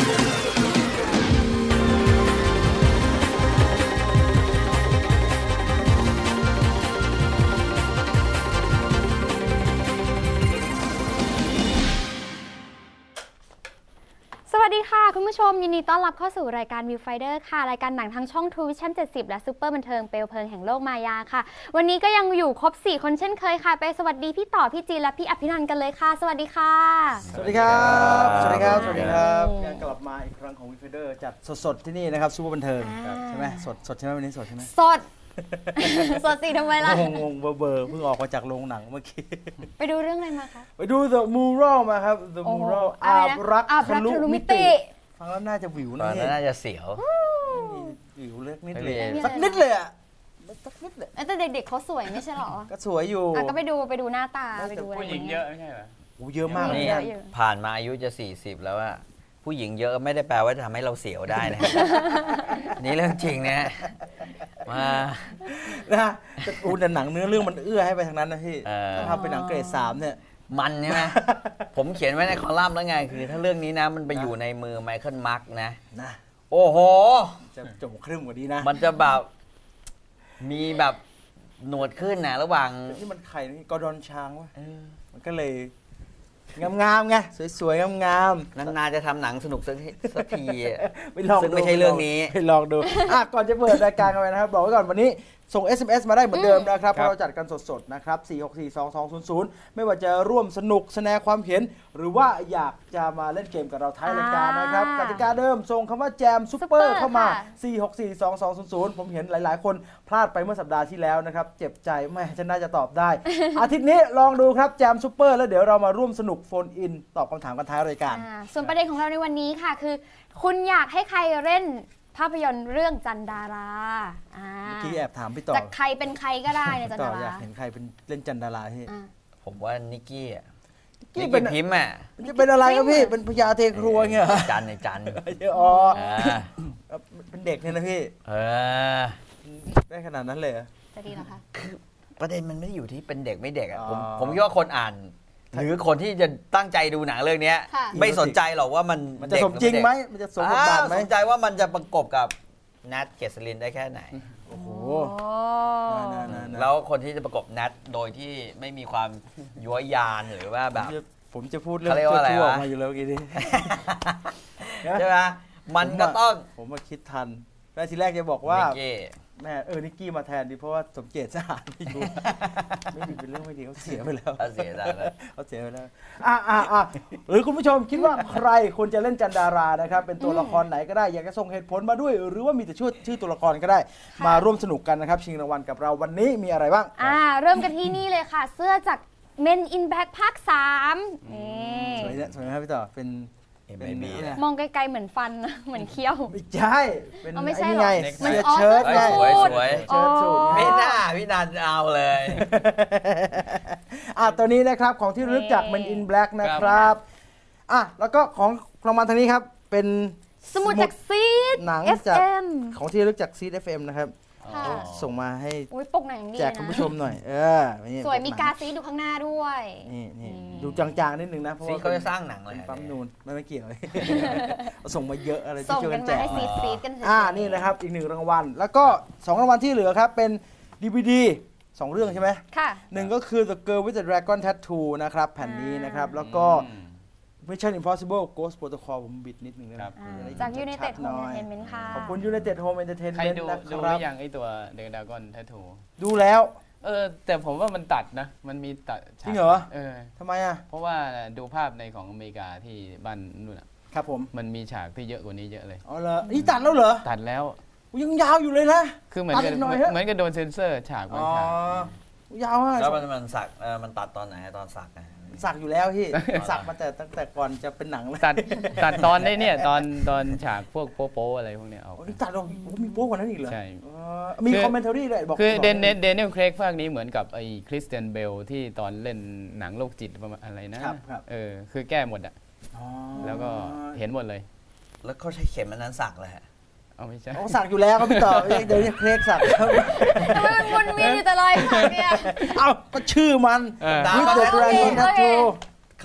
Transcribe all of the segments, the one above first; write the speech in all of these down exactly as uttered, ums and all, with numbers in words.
สวัสดีค่ะคุณผู้ชมยินดีต้อนรับเข้าสู่รายการ Viewfinder ค่ะรายการหนังทางช่อง True Vision เจ็ดสิบและซุปเปอร์บันเทิงเปลวเพลิงแห่งโลกมายาค่ะวันนี้ก็ยังอยู่ครบสี่คนเช่นเคยค่ะไปสวัสดีพี่ต่อพี่จีนและพี่อภินันท์กันเลยค่ะสวัสดีค่ะสวัสดีครับสวัสดีครับสวัสดีครับการกลับมาอีกครั้งของ Viewfinder จัดสดๆที่นี่นะครับซุปเปอร์บันเทิงใช่ไหมสดสดใช่ไหมวันนี้สดใช่ไหมสดสดสิทำไมล่ะงงงเบอร์เบอร์เพิ่งออกมาจากโรงหนังเมื่อกี้ไปดูเรื่องอะไรมาคะไปดู The Mural มาครับ The Mural อาบรักทะลุมิติฟังแล้วน่าจะวิวนะนี่น่าจะเสียววิวเล็กนิดเลยสักนิดเลยอ่ะสักนิดเลยแต่เด็กๆเขาสวยไม่ใช่หรอก็สวยอยู่ก็ไปดูไปดูหน้าตาไปดูผู้หญิงเยอะไม่ใช่เหรอโอ้เยอะมากนี่ผ่านมาอายุจะสี่สิบแล้วอะผู้หญิงเยอะไม่ได้แปลว่าจะทำให้เราเสียวได้นะนี่เรื่องจริงนะมานะแต่อูแต่หนังเนื้อเรื่องมันเอื้อให้ไปทางนั้นนะพี่ถ้าทำเป็นหนังเกรดสามเนี่ยมันใช่ไหมผมเขียนไว้ในคอลัมน์แล้วไงคือถ้าเรื่องนี้นะมันไปอยู่ในมือไมเคิลมาร์กนะนะโอ้โหจะจบครึ่งกว่านี้นะมันจะแบบมีแบบหนวดขึ้นนะระหว่างที่มันไข่นี่กอร์ดอนช้างวะมันก็เลยงามๆไงสวยๆงามๆนานๆจะทำหนังสนุกสักทีไปลองซึ่งไม่ใช่เรื่องนี้ไปลองดูอ่ะก่อนจะเปิดรายการกันไปนะครับบอกไว้ก่อนวันนี้ส่ง เอส เอ็ม เอส มาได้เหมือนเดิมนะครับเพราะเราจัดกันสดๆนะครับสี่ หก สี่ สอง สอง ศูนย์ ศูนย์ไม่ว่าจะร่วมสนุกแสดงความเห็นหรือว่าอยากจะมาเล่นเกมกับเราท้ายรายการนะครับกติกาเดิมส่งคำว่าแจมซุปเปอร์เข้ามาสี่ หก สี่ สอง สอง ศูนย์ ศูนย์ผมเห็นหลายๆคนพลาดไปเมื่อสัปดาห์ที่แล้วนะครับเจ็บใจแม่ฉันน่าจะตอบได้ อาทิตย์นี้ลองดูครับแจมซุปเปอร์แล้วเดี๋ยวเรามาร่วมสนุกโฟนอินตอบคำถามกันท้ายรายการส่วนประเด็นของเราในวันนี้ค่ะคือคุณอยากให้ใครเล่นภาพยนตร์เรื่องจันดาราเมื่อกี้แอบถามพี่ต่อจากใครเป็นใครก็ได้ในจันดาราอยากเห็นใครเป็นเล่นจันดาราที่ผมว่านิกกี้อ่ะนิกกี้พิมพ์อ่ะจะเป็นอะไรครับพี่เป็นพญาเทครัวเงี้ยจันในจันอ๋อเป็นเด็กเนี่ยนะพี่เออได้ขนาดนั้นเลยจะดีเหรอคะคือประเด็นมันไม่ได้อยู่ที่เป็นเด็กไม่เด็กอ่ะผมผมคิดว่าคนอ่านหรือคนที่จะตั้งใจดูหนังเรื่องนี้ไม่สนใจหรอกว่ามันมันจะสมจริงไหมมันจะสมบทบาทไหมสนใจว่ามันจะประกบกับนัทเกษรินได้แค่ไหนโอ้โหแล้วคนที่จะประกบนัทโดยที่ไม่มีความยั่วยานหรือว่าแบบผมจะพูดเรื่องชั่วๆมาอยู่แล้วกี้นี้ใช่ไหมมันก็ต้องผมมาคิดทันแรกทีแรกจะบอกว่าแม่เออนิกกี้มาแทนดีเพราะว่าสมเจตสะอาดไม่ดูไม่ดีเป็นเรื่องไม่ดีเขาเสียไปแล้วเขาเสียแล้วเขาเสียไปแล้วอ่ะอ่ะอ่ะหรือคุณผู้ชมคิดว่าใครควรจะเล่นจันดารานะครับเป็นตัวละครไหนก็ได้อยากจะส่งเหตุผลมาด้วยหรือว่ามีแต่ชื่อชื่อตัวละครก็ได้มาร่วมสนุกกันนะครับชิงรางวัลกับเราวันนี้มีอะไรบ้างอ่าเริ่มกันที่นี่เลยค่ะเสื้อจาก Men in Black ภาคสามนี่สวยนะสวยไหมครับพี่ต่อเป็นมองไกลๆเหมือนฟันเหมือนเคี้ยวไม่ใช่เป็นไม่ใช่ไงเสื้อเชิ้ตไงสวยสวยเชิ้ตสูทไม่น่าพี่นันเอาเลยอ่ะตัวนี้นะครับของที่รู้จัก Men in Black นะครับอ่ะแล้วก็ของรางวัลทางนี้ครับเป็นสมุดจากซีดหนังจากของที่รู้จักซีด เอฟ เอ็ม นะครับส่งมาให้แจกคุณผู้ชมหน่อยเออสวยมีกาซีดูข้างหน้าด้วยนี่นี่ดูจางๆนิดนึงนะเพราะว่าเขาจะสร้างหนังเลยปั๊มนูนไม่ไม่เกี่ยวส่งมาเยอะอะไรที่ช่วยกันแจกอ่านี่นะครับอีกหนึ่งรางวัลแล้วก็สองรางวัลที่เหลือครับเป็น ดี วี ดี สองเรื่องใช่ไหมค่ะหนึ่งก็คือ The Girl with the Dragon Tattoo นะครับแผ่นนี้นะครับแล้วก็Mission Impossible Ghost Protocol ผมบิดนิดนึงนะครับจาก United Home Entertainment ค่ะขอบคุณ United Home Entertainment นะครับดูหรือยังไอตัว The Dragon Tattoo ดูแล้วเออแต่ผมว่ามันตัดนะมันมีตัดจริงเหรอเออทำไมอ่ะเพราะว่าดูภาพในของอเมริกาที่บ้านนู่นอ่ะครับผมมันมีฉากที่เยอะกว่านี้เยอะเลยอ๋อเหรอนี่ตัดแล้วเหรอตัดแล้วยังยาวอยู่เลยนะคือเหมือนกับเหมือนกับโดนเซ็นเซอร์ฉากบางฉากยาวมากแล้วมันมันสักมันตัดตอนไหนตอนสักนะสักอยู่แล้วพี่สักมาแต่ตั้งแต่ก่อนจะเป็นหนังเลยตัดตัดตอนได้เนี่ยตอนตอนฉากพวกโป๊ๆอะไรพวกเนี้ยเอาตัดเรามีโป๊กว่านั้นอีกเหรอใช่มีคอมเมนต์รี่ด้วยบอกคือเดนเนเดนิเอลเครกภาคนี้เหมือนกับไอ้คริสเตียนเบลที่ตอนเล่นหนังโรคจิตประมาณอะไรนะเออคือแก้หมดอ่ะแล้วก็เห็นหมดเลยแล้วเขาใช้เข็มอันนั้นสักเลยฮะเอาไม่ใช่เขาสักอยู่แล้วครับพี่ต่อเดี๋ยวนี้เครกสักทำไมมันวนเวียนอยู่แต่ลอยสักเนี่ยเอ้าก็ชื่อมันวิดเดอร์ดราก้อนแทททู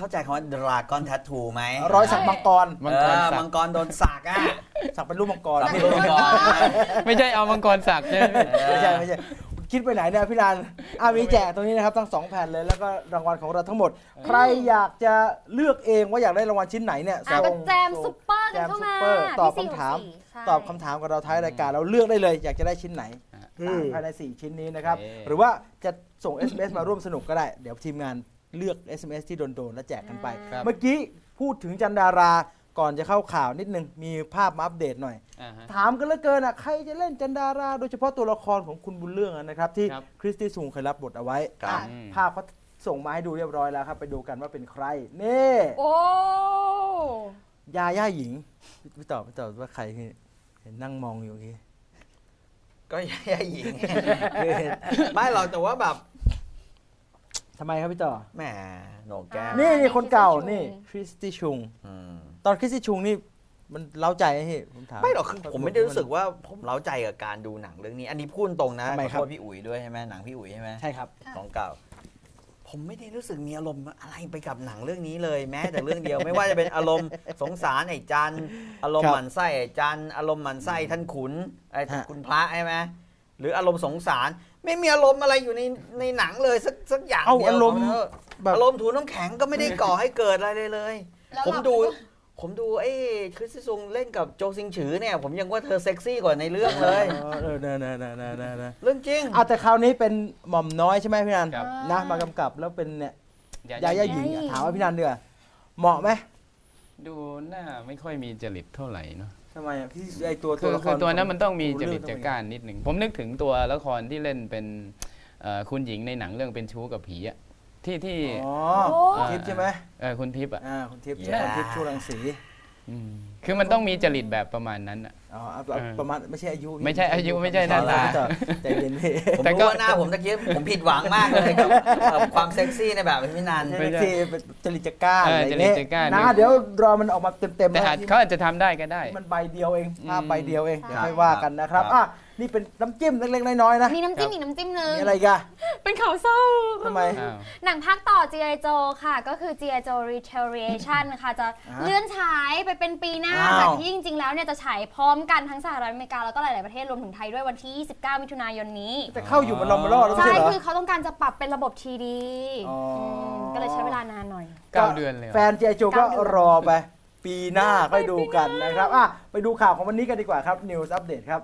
เข้าใจคำว่าดราก้อนแทททูไหมรอยสักมังกรมังกรสักมังกรโดนสักอ่ะสักเป็นรูปมังกรสักเป็นรูปมังกรไม่ใช่เอามังกรสักใช่ไหมไม่ใช่ไม่ใช่คิดไปไหนเนี่ยพี่นันอ่ะมีแจกตรงนี้นะครับทั้งสองแผ่นเลยแล้วก็รางวัลของเราทั้งหมด ใครอยากจะเลือกเองว่าอยากได้รางวัลชิ้นไหนเนี่ยอ่ะก็ส่งแจมซุปเปอร์กันเข้ามาแจมซุปเปอร์ตอบที่คำถามสี่หกสี่ใช่ตอบคำถามกับเราท้ายรายการเราเลือกได้เลย อยากจะได้ชิ้นไหนภายในสี่ชิ้นนี้นะครับโอเคหรือว่าจะส่ง เอส เอ็ม เอส มาร่วมสนุกก็ได้เดี๋ยวทีมงานเลือก เอส เอ็ม เอส ที่โดนๆแล้วแจกกันไปครับเมื่อกี้พูดถึงจันดาราก่อนจะเข้าข่าวนิดนึงมีภาพมาอัปเดตหน่อยอ่าฮะถามกันเหลือเกินอ่ะใครจะเล่นจันดาราโดยเฉพาะตัวละครของคุณบุญเรื่องอะนะครับที่ครับคริสตี้ซุงเคยรับบทเอาไว้ครับอ่ะอืมภาพเขาส่งมาให้ดูเรียบร้อยแล้วครับไปดูกันว่าเป็นใครนี่โอ้ยาย่าหญิงพี่ตอบพี่ตอบว่าใครคือเห็นนั่งมองอยู่กี้ก็ยาหญิง คือไม่หรอกแต่ว่าแบบทำไมครับพี่ต่อแหมโหนกแก้มนี่นี่คนเก่านี่คริสตี้ชุงอืมตอนคริสตี้ชุงนี่มันเล้าใจไหมพี่ผมถามไม่หรอกคือผมไม่ได้รู้สึกว่าผมเล้าใจกับการดูหนังเรื่องนี้ อันนี้พูดตรงนะทำไมขอครับโทษพี่อุ๋ยด้วยใช่ไหมหนังพี่อุ๋ยใช่ไหมใช่ครับของเก่า ผมไม่ได้รู้สึกมีอารมณ์อะไรไปกับหนังเรื่องนี้เลยแม้แต่เรื่องเดียว ไม่ว่าจะเป็นอารมณ์สงสารไอ้จันอารมครัณ์บหมั่นไส้ไอ้จันอารมณ์หมั่นไส้ท่านขุนไอ้ฮะคุณพระใช่ไหมหรืออารมณ์สงสาร ไม่มีอารมณ์อะไรอยู่ในในหนังเลยสักสักอย่างเอาเดียวอารมณ์ขเถอะแบบอารมณ์ถูน้ำแข็งก็ไม่ได้ก่อให้เกิดอะไรเลยเลยแล้วผมเราดู ผมดูไอ้คริสตี้ซุงเล่นกับโจซิงฉือเนี่ย ผมยังว่าเธอเซ็กซี่กว่าในเรื่องเลยอ๋อเออเนอะเนอะเนอะเนอะเนอะเนอะเรื่องจริงอ่ะแต่คราวนี้เป็นหม่อมน้อยใช่ไหมพี่นันครับนะมากำกับแล้วเป็นเนี่ยยายาย่าหญิงอ่ะถามว่าพี่นันเดือเหมาะไหมดูหน้าไม่ค่อยมีจริตเท่าไหร่เนาะทำไมอ่ะพี่ไอตัวคืตัวอละคคือรตัวนั้นมันต้องมีจเรื่ริตต้จังกเป็นการนิดหนึ่งผมนึกถึงตัวละครที่เล่นเป็นเอ่อคุณหญิงในหนังเรื่องเป็นชู้กับผีอะที่ที่อ๋อโอ้คุณทิพย์ใช่ไหมเออคุณทิพย์อะอ่าคุณทิพย์ Yeah คุณทิพย์ชูรังสีอืมคือมันต้องมีจริตแบบประมาณนั้นอะอ๋อเอาเอาเออประมาณไม่ใช่อายุไม่ใช่อายุไม่ใช่หน้าตาพี่ต่อใจเย็นพี่ผมแต่ก็รู้ว่าหน้าผมตะกี้ผมผิดหวังมากเลยกับกับความเซ็กซี่ในแบบพี่นันไม่ใช่เป็นจริตจักร้าเอออะไรเงี้ยจริตจักร้านะเดี๋ยวรอมันออกมาเต็มๆแต่อาจนะเขาอาจจะทำได้ก็ได้มันใบเดียวเองภาพใบเดียวเองใช่เดี๋ยวค่อยว่ากันนะครับครับอ่ะนี่เป็นน้ำจิ้มเล็กๆน้อยๆนะมีน้ำจิ้มอีกน้ำจิ้มหนึ่งมีอะไรอีกันเป็นข่าวเศร้าทำไมอ้าวหนังภาคต่อ จี ไอ Joe ค่ะ ก็คือ จี ไอ Joe Retaliation ค่ะ จะอ่าเลื่อนฉายไปเป็นปีหน้าอ้าวจากที่จริง ๆ แล้วเนี่ยจะฉายพร้อมกันทั้งสหรัฐอเมริกาแล้วก็หลาย ๆ ประเทศรวมถึงไทยด้วยวันที่ ยี่สิบเก้า มิถุนายนนี้จะเข้าอยู่มันรอมารอดแล้วไม่ใช่ใช่เหรอคือเขาต้องการจะปรับเป็นระบบ ที ดีอ๋ออืมก็เลยใช้เวลานานหน่อยเก้าเดือนเลยเหรอแฟนเจโจก็รอไป ปีหน้าค่อยดูกันนะครับอ่ะไปดูข่าวของวันนี้กันดีกว่าครับ News Update ครับ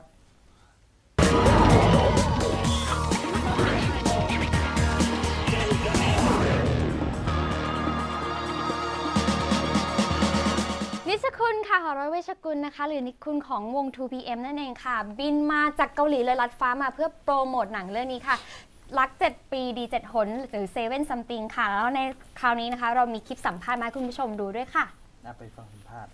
นิชคุณค่ะหอร้อยเวชกุลนะคะ หรือนิชคุณของวง ทู พี เอ็ม นั่นเองค่ะ บินมาจากเกาหลีเลยลัดฟ้ามาเพื่อโปรโมทหนังเรื่องนี้ค่ะ รัก เจ็ด ปีดี เจ็ด หน หรือ เซเว่น Something ค่ะ แล้วในคราวนี้นะคะ เรามีคลิปสัมภาษณ์มาให้คุณผู้ชมดูด้วยค่ะน่าไปฟังสัมภาษณ์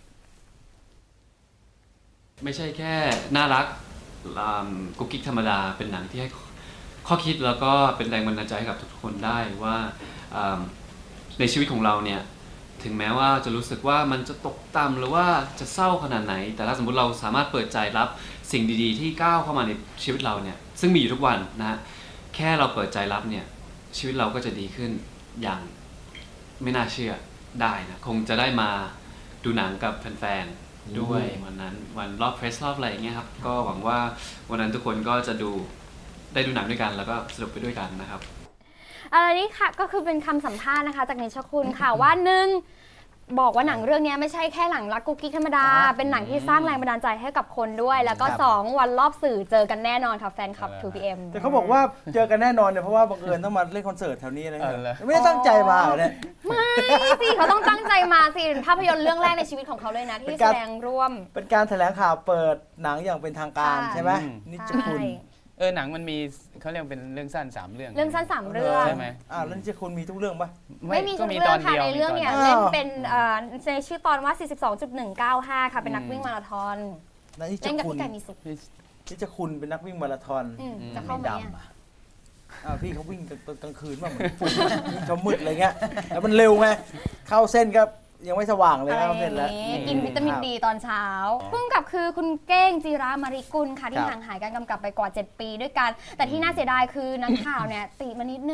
ไม่ใช่แค่น่ารักอ่ากุ๊กกิ๊กธรรมดาเป็นหนังที่ให้ข้อคิดแล้วก็เป็นแรงบันดาลใจให้กับทุกๆคนได้ว่าอ่าในชีวิตของเราเนี่ยถึงแม้ว่าจะรู้สึกว่ามันจะตกต่ำหรือว่าจะเศร้าขนาดไหน แต่ถ้าสมมติเราสามารถเปิดใจรับสิ่งดีๆที่ก้าวเข้ามาในชีวิตเราเนี่ยซึ่งมีอยู่ทุกวันนะฮะแค่เราเปิดใจรับเนี่ยชีวิตเราก็จะดีขึ้นอย่างไม่น่าเชื่อได้นะคงจะได้มาดูหนังกับแฟนๆด้วยวันนั้นวันรอบเพรสรอบอะไรอย่างเงี้ยครับก็หวังว่าวันนั้นทุกคนก็จะดูได้ดูหนังด้วยกันแล้วก็สนุกไปด้วยกันนะครับอะไรนี้ค่ะก็คือเป็นคำสัมภาษณ์นะคะจากนิชคุณค่ะว่าหนึ่งบอกว่าหนังเรื่องนี้ไม่ใช่แค่หนังรักกุ๊กกิ๊กธรรมดา เป็นหนังที่สร้างแรงบันดาลใจให้กับคนด้วย แล้วก็ครับสองวันรอบสื่อเจอกันแน่นอนค่ะแฟนคลับ ทู พี เอ็มแต่เขาบอกว่าเจอกันแน่นอนเนี่ยเพราะว่าบังเอิญต้องมาเล่นคอนเสิร์ตแถวนี้นะเออเหรอไม่ได้ตั้งใจมาเหรอเนี่ยไม่สิเขาต้องตั้งใจมาสิภาพยนตร์เรื่องแรกในชีวิตของเขาเลยนะเป็ที่นการแสดงร่วมเป็นการแถลงข่าวเปิดหนังอย่างเป็นทางการใช่ใช่ไหมอืมนิจคุณใช่เออหนังมันมีเขาเรียกเป็นเรื่องสั้นสามเรื่องเรื่องสั้นสามเรื่องใช่ไหมอ่าแล้วนิจคุณมีทุกเรื่องปะไม่มีก็ทุกมีเรื่ตออง นค่ะเดียวในเรื่องเนี่ยมีตอนเดียวเล่นเป็นเอ่อในชื่อตอนว่า สี่สิบสองจุดหนึ่งเก้าห้า ค่ะเป็นนักวิ่งมาราธอนแล้วนิจเล่นกับคุณพี่ไก่มีสุขนิจคุณเป็นนักวิ่งมาราธอนอืมจะเข้าไหมอะอ่าพี่เขาวิ่งกลางกลางคืนบ้างเหมือนฝุ่นวิ่งเขามืดอะไรเงี้ยแล้วมันเร็วไงเข้าเส้นก็ยังไม่สว่างเลยอะไรเข้าอเส้นย่างแล้วนี้กินวิตามินดีตอนเช้าพุ่งกับคือคุณเก้งจีรามาริกุลค่ะที่ห่างหายการกำกับไปกว่า เจ็ด ปีด้วยกัน แต่ที่น่าเสียดายคือนักข่าวเนี่ยติมานิดนึงว่า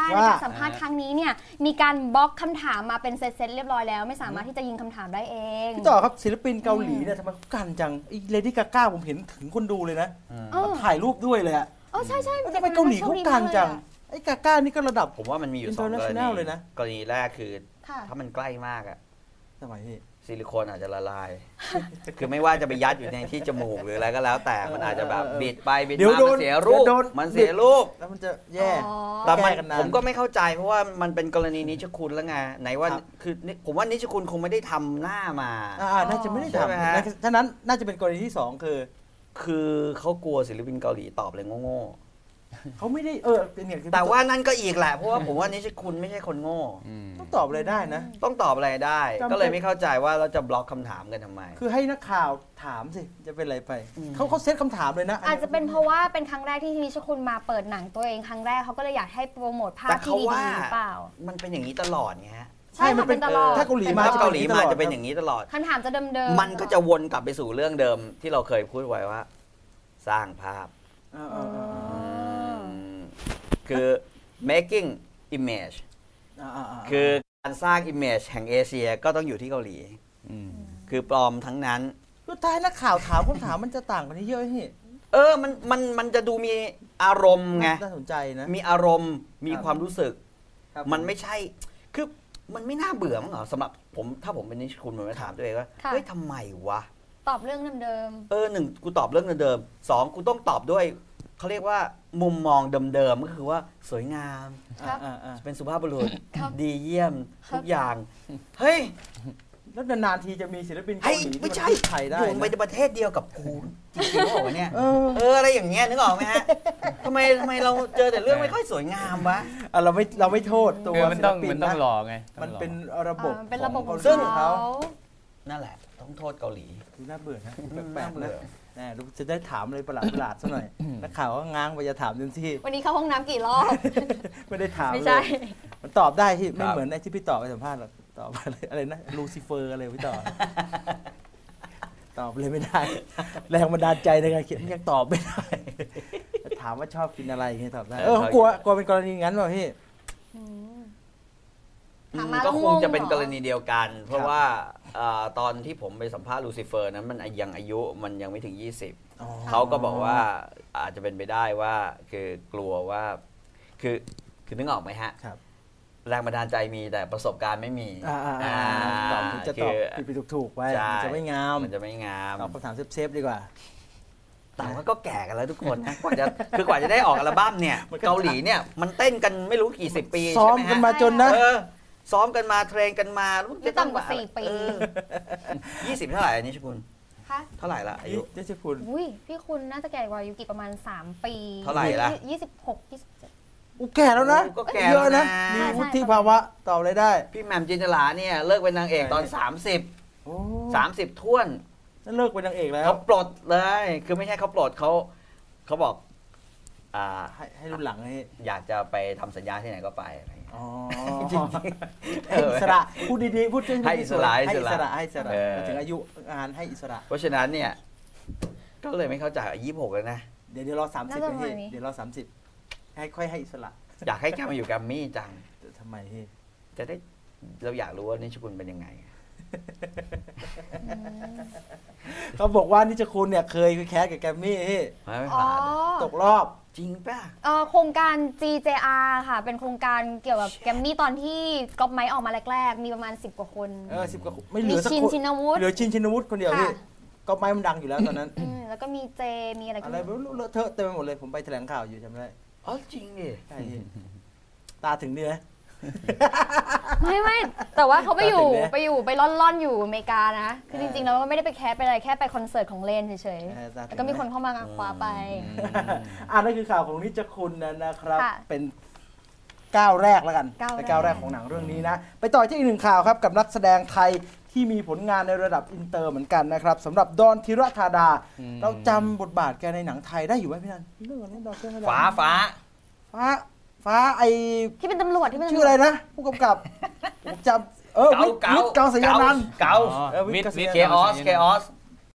ในการสัมภาษณ์ครั้งนี้เนี่ยมีการบล็อกคำถามมาเป็นเซตๆเรียบร้อยแล้วไม่สามารถที่จะยิงคำถามได้เองพี่ต่อครับศิลปินเกาหลีเนี่ยทำไมเขากันจังไอ้เลดี้กาก้าผมเห็นถึงคนดูเลยนะถ่ายรูปด้วยเลยอะอ๋อใช่ใช่ทำไมเกาหลีเขากันจังไอ้กาก้านี่ก็ระดับผมว่ามันมีอยู่สองกรณีเลยนะกรณีแรกคือถ้ามันใกล้มากอะทำไมพี่ซิลิโคนอาจจะละลาย คือไม่ว่าจะไปยัดอยู่ในที่จมูกหรืออะไรก็แล้วแต่มันอาจจะแบบบิดไปบิดมามันเสียรูปมันเสียรูปแล้วมันจะแย่แต่ผมก็ไม่เข้าใจเพราะว่ามันเป็นกรณีนิชคุณแล้วไงไหนว่าคือผมว่านิชคุณคงไม่ได้ทำหน้ามาอ่าน่าจะไม่ได้ทำฉะนั้นน่าจะเป็นกรณีที่สองคือคือเขากลัวศิลปินเกาหลีตอบเลยโง่เขาไม่ได้เออเป็นอย่างแต่ว่านั่นก็อีกแหละเพราะว่าผมว่านิชคุณไม่ใช่คนโง่ต้องตอบอะไรได้นะต้องตอบอะไรได้ก็เลยไม่เข้าใจว่าเราจะบล็อกคำถามกันทำไมคือให้นักข่าวถามสิจะเป็นอะไรไปเขาเขาเซตคำถามเลยนะอาจจะเป็นเพราะว่าเป็นครั้งแรกที่นิชคุณมาเปิดหนังตัวเองครั้งแรกเขาก็เลยอยากให้โปรโมทภาพที่ดีๆหรือเปล่ามันเป็นอย่างนี้ตลอดไงฮะใช่มันเป็นตลอดถ้าเกาหลีมาเกาหลีมาจะเป็นอย่างนี้ตลอดคำถามจะเดิมๆมันก็จะวนกลับไปสู่เรื่องเดิมที่เราเคยพูดไว้ว่าสร้างภาพคือ making image คือการสร้าง image แห่งเอเชียก็ต้องอยู่ที่เกาหลีคือปลอมทั้งนั้นก็ท้ายนักข่าวถามคำถามมันจะต่างกันเยอะนี่เออมันมันมันจะดูมีอารมณ์ไงน่าสนใจนะมีอารมณ์มีความรู้สึกมันไม่ใช่คือมันไม่น่าเบื่อมั้งเหรอสำหรับผมถ้าผมเป็นนิชคุณผมจะถามตัวเองว่าเฮ้ยทำไมวะตอบเรื่องเดิมๆเออหนึ่งกูตอบเรื่องเดิมๆสองกูต้องตอบด้วยเขาเรียกว่ามุมมองเดิมๆก็คือว่าสวยงามเป็นสุภาพบุรุษดีเยี่ยมทุกอย่างเฮ้ยแล้วนานๆทีจะมีศิลปินเกาหลีไม่ใช่ไทยได้อยู่ในประเทศเดียวกับกูจริงๆเหรอเนี่ยเอออะไรอย่างเงี้ยนึกออกไหมฮะทำไมทำไมเราเจอแต่เรื่องไม่ค่อยสวยงามวะเราไม่เราไม่โทษตัวศิลปินมันต้องรอไงมันเป็นระบบเป็นระบบของเขานั่นแหละต้องโทษเกาหลีดูน่าเบื่อนะแปลกๆนะแน่จะได้ถามอะไรประหลาดประหลาดซะหน่อยนักข่าวก็ง้างไปจะถามเต็มที่วันนี้เข้าห้องน้ำกี่รอบไม่ได้ถามไม่ใช่มันตอบได้ที่ไม่เหมือนไอ้ที่พี่ต่อไปสัมภาษณ์หรอกตอบอะไรอะไรนะลูซิเฟอร์อะไรพี่ต่อตอบเลยไม่ได้แรงบันดาลใจในการเขียนยังตอบไม่ได้ถามว่าชอบกินอะไรอย่างเงี้ยตอบได้เออกลัวกลัวเป็นกรณีงั้นป่ะพี่ก็คงจะเป็นกรณีเดียวกันเพราะว่าตอนที่ผมไปสัมภาษณ์ลูซิเฟอร์นั้นมันยังอายุมันยังไม่ถึงยี่สิบเขาก็บอกว่าอาจจะเป็นไปได้ว่าคือกลัวว่าคือคือนึกออกไหมฮะแรงบันดาลใจมีแต่ประสบการณ์ไม่มีตอบจะตอบผิดถูกๆไว้มันจะไม่งามมันจะไม่งามตอบคำถามเซฟๆดีกว่าแต่ว่าก็แก่กันแล้วทุกคนนะกว่าจะคือกว่าจะได้ออกอัลบั้มเนี่ยเกาหลีเนี่ยมันเต้นกันไม่รู้กี่สิบปีใช่ไหมฮะซ้อมกันมาจนนะซ้อมกันมาเทรนกันมาไม่ต่ำกว่าสี่ปียี่สิบเท่าไหร่อันนี้ชิคุณเท่าไหร่ละอายุนี่ชิคุณอุ้ยพี่คุณน่าจะแก่กว่าอายุกี่ประมาณสามปีเท่าไหร่ละยี่สิบหกยี่สิบเจ็ดอู้แก่แล้วนะก็แก่เยอะนะมีวุฒิภาวะตอบอะไรได้พี่แหม่มจินตลาเนี่ยเลิกเป็นนางเอกตอนสามสิบสามสิบท้วนนั่นเลิกเป็นนางเอกแล้วเขาปลดเลยคือไม่ใช่เขาปลดเขาเขาบอกอ่าให้ให้รุ่นหลังให้อยากจะไปทำสัญญาที่ไหนก็ไปอะไรอย่างเงี้ยอ๋อจริงๆให้อิสระพูดดีๆพูดให้อิสระให้อิสระให้อิสระถึงอายุงานให้อิสระเพราะฉะนั้นเนี่ยก็เลยไม่เข้าใจยี่สิบหกแล้วนะเดี๋ยวเดี๋ยวรอสามสิบเลยเดี๋ยวรอสามสิบให้ค่อยให้อิสระอยากให้แกมาอยู่แกรมมี่จังทำไมพี่จะได้เราอยากรู้ว่านิชคุณเป็นยังไงเขาบอกว่านิชคุณเนี่ยเคยแคสกับแกรมมี่พี่ไม่ผ่านตกรอบจริงป่ะโครงการ จี เจ อาร์ ค่ะเป็นโครงการเกี่ยวกับแกรมมี่ตอนที่ก๊อปไมค์ออกมาแรกๆมีประมาณสิบกว่าคนเออสิบกว่าไม่เหลือสักคนเหลือชินชินวุฒิคนเดียวพี่ก๊อปไมค์มันดังอยู่แล้วตอนนั้นแล้วก็มีเจมีอะไรอะไรไม่รู้เลอะเทอะเต็มไปหมดเลยผมไปแถลงข่าวอยู่จำได้อ๋อจริงดิใช่ตาถึงนี่ไหมไม่ไม่แต่ว่าเขาไปอยู่ไปอยู่ไปล่อนๆอยู่อเมริกานะคือจริงๆแล้วก็ไม่ได้ไปแคสไปอะไรแค่ไปคอนเสิร์ตของเลนเฉยๆแล้วก็มีคนเข้ามาคว้าไปอ่านั่นคือข่าวของนิจคุณนะครับเป็นก้าวแรกแล้วกันเป็นก้าวแรกของหนังเรื่องนี้นะไปต่อที่อีกหนึ่งข่าวครับกับนักแสดงไทยที่มีผลงานในระดับอินเตอร์เหมือนกันนะครับสำหรับดอนธีรธาดาเราจำบทบาทแกในหนังไทยได้อยู่ไหมพี่นันเรื่องนี้ดอนธีรธาดาฟ้าฟ้าฟ้าฟ้าไอที่เป็นตำรวจที่เป็นชื่ออะไรนะผู้กำกับผมจำเออวิทย์เกาสยานันท์เกาวิทย์เคออสเคออส